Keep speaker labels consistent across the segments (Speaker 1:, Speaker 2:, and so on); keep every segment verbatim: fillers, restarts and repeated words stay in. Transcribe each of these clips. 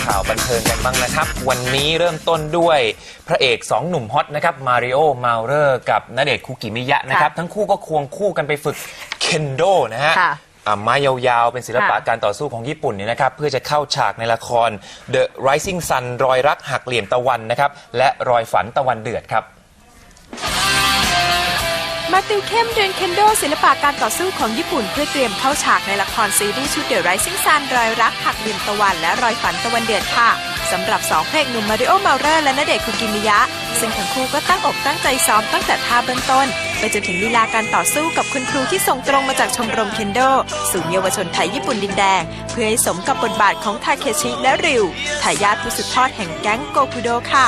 Speaker 1: ข่าวบันเทิงกันบ้างนะครับวันนี้เริ่มต้นด้วยพระเอกสองหนุ่มฮอตนะครับมาริโอมาเลอร์กับณเดชน์คุกิมิยะนะครับทั้งคู่ก็ควงคู่กันไปฝึกเคนโดนะฮะไม้ยาวๆเป็นศิลปะการต่อสู้ของญี่ปุ่นเนี่ยนะครับเพื่อจะเข้าฉากในละคร The Rising Sun รอยรักหักเหลี่ยมตะวันนะครับและรอยฝันตะวันเดือดครับ
Speaker 2: มาติวเข้มเรียนเคนโดศิลปะการต่อสู้ของญี่ปุ่นเพื่อเตรียมเข้าฉากในละครซีรีส์ชุด The Rising Sun รอยรักหักเหลี่ยมตะวันและรอยฝันตะวันเดือดค่ะสำหรับสองพระเอกหนุ่มมาริโอ มาเลอร์และณเดชน์คุกิมิยะซึ่งทั้งคู่ก็ตั้งอกตั้งใจซ้อมตั้งแต่ท่าเบื้องต้นไปจนถึงลีลาการต่อสู้กับคุณครูที่ส่งตรงมาจากชมรมเคนโดศูนย์เยาวชนไทยญี่ปุ่นดินแดงเพื่อให้สมกับบทบาทของทาเคชิและริวทายาทผู้สืบทอดแห่งแก๊งโกคุโดค่ะ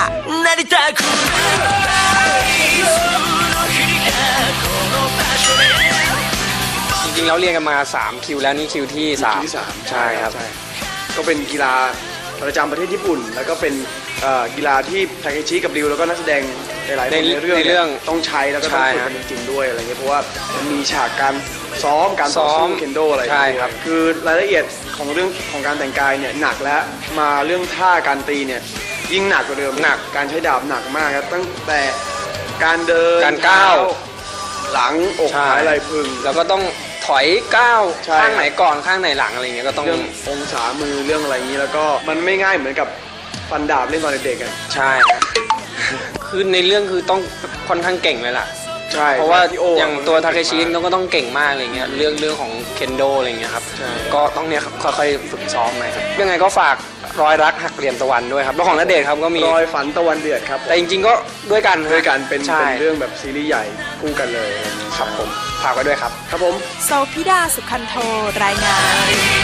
Speaker 3: จริงๆแล้วเรียนกันมาสามคิวแล้วนี่คิวที่สามใช่ครับ
Speaker 4: ก็เป็นกีฬาประจำประเทศญี่ปุ่นแล้วก็เป็นกีฬาที่ทาเคชิกับริวแล้วก็นักแสดงหลายๆคนในเรื่องในเรื่องต้องใช้แล้วก็ต้องฝึกกันจริงๆด้วยอะไรเงี้ยเพราะว่ามันมีฉากการซ้อมการต่อสู้เคนโดอะไรใช่ครับคือรายละเอียดของเรื่องของการแต่งกายเนี่ยหนักแล้วมาเรื่องท่าการตีเนี่ยยิ่งหนักกว่าเดิมหนักการใช้ดาบหนักมากครับตั้งแต่การเดิน
Speaker 3: การก้าว
Speaker 4: หลังอกหายไหล่พึง
Speaker 3: แล้วก็ต้องถอยก้าวข้างไหนก่อนข้างไหนหลังอะไรเงี้ยก็ต้อง
Speaker 4: เรื่ององศามือเรื่องอะไรอย่างนี้แล้วก็มันไม่ง่ายเหมือนกับฟันดาบเล่นตอนเด็กๆกัน
Speaker 3: ใช่คือในเรื่องคือต้องค่อนข้างเก่งเลยล่ะ
Speaker 4: ใช่
Speaker 3: เพราะว่าอย่างตัวทาเคชิก็ต้องเก่งมากอะไรเงี้ยเรื่องเรื่องของเคนโดอะไรเงี้ยครับก็ต้องเนี่ยค่อยๆฝึกซ้อมไปครับยังไงก็ฝากรอยรักหักเหลี่ยมตะวันด้วยครับแล้วของณเดชน์ครับก็มี
Speaker 4: รอยฝันตะวันเดือดครับ
Speaker 3: แต่จริงๆก็ด้วยกัน
Speaker 4: ด้วยกันเป็นเป็นเรื่องแบบซีรีส์ใหญ่คู่กันเลย
Speaker 3: ครับผมฝากไว้ด้วยครับ
Speaker 4: ครับผม
Speaker 2: โซพิดาสุขันโทรายงาน